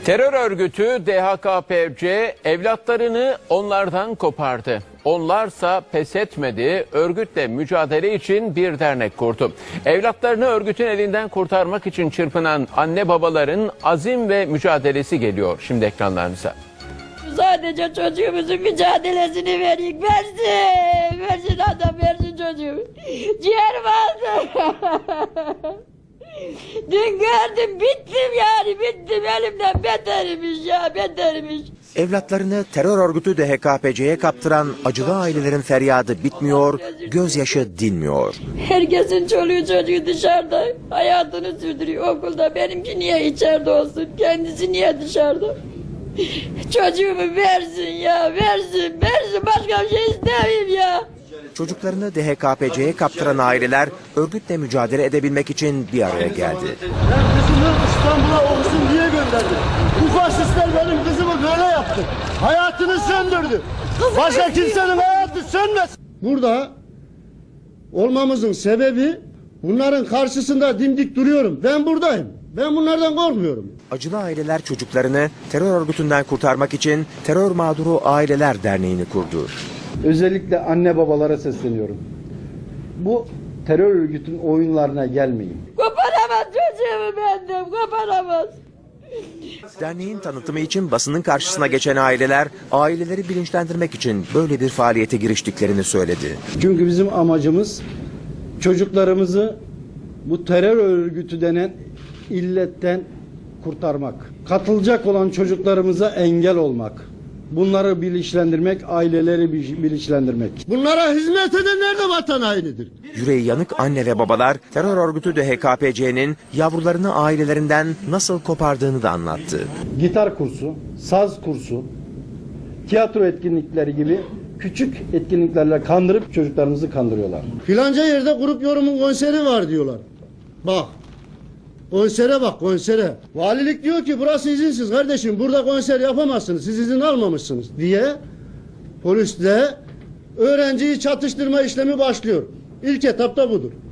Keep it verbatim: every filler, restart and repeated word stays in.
Terör örgütü D H K P C evlatlarını onlardan kopardı. Onlarsa pes etmedi, örgütle mücadele için bir dernek kurdu. Evlatlarını örgütün elinden kurtarmak için çırpınan anne babaların azim ve mücadelesi geliyor şimdi ekranlarınıza. Sadece çocuğumuzun mücadelesini verin, versin, versin adam, versin çocuğu. Ciğer vardı. Dün gördüm, bittim yani, bittim, elimden beterimiş ya, beterimiş. Evlatlarını terör örgütü D H K P C'ye kaptıran acılı ailelerin feryadı bitmiyor, gözyaşı dinmiyor. Herkesin çoluğu çocuğu dışarıda, hayatını sürdürüyor okulda. Benimki niye içeride olsun, kendisi niye dışarıda? Çocuğumu versin ya, versin, versin, başka bir şey istemeyeyim ya. Çocuklarını D H K P C'ye kaptıran aileler örgütle mücadele edebilmek için bir araya geldi. Ben kızımı İstanbul'a okusun diye gönderdim. Bu faşistler benim kızımı böyle yaptı. Hayatını söndürdü. Başka kimsenin hayatı sönmez. Burada olmamızın sebebi bunların karşısında dimdik duruyorum. Ben buradayım. Ben bunlardan korkmuyorum. Acılı aileler çocuklarını terör örgütünden kurtarmak için Terör Mağduru Aileler Derneği'ni kurdu. Özellikle anne babalara sesleniyorum. Bu terör örgütünün oyunlarına gelmeyin. Koparamaz çocuğumu benden, koparamaz. Derneğin tanıtımı için basının karşısına geçen aileler, aileleri bilinçlendirmek için böyle bir faaliyete giriştiklerini söyledi. Çünkü bizim amacımız çocuklarımızı bu terör örgütü denen illetten kurtarmak. Katılacak olan çocuklarımıza engel olmak. Bunları bilinçlendirmek, aileleri bilinçlendirmek. Bunlara hizmet edenler de vatan hainidir. Yüreği yanık anne ve babalar terör örgütü D H K P C'nin yavrularını ailelerinden nasıl kopardığını da anlattı. Gitar kursu, saz kursu, tiyatro etkinlikleri gibi küçük etkinliklerle kandırıp çocuklarımızı kandırıyorlar. Filanca yerde grup yorumun konseri var diyorlar. Bak. Konsere bak, konsere. Valilik diyor ki burası izinsiz kardeşim, burada konser yapamazsınız, siz izin almamışsınız diye polisle öğrenciyi çatıştırma işlemi başlıyor. İlk etapta budur.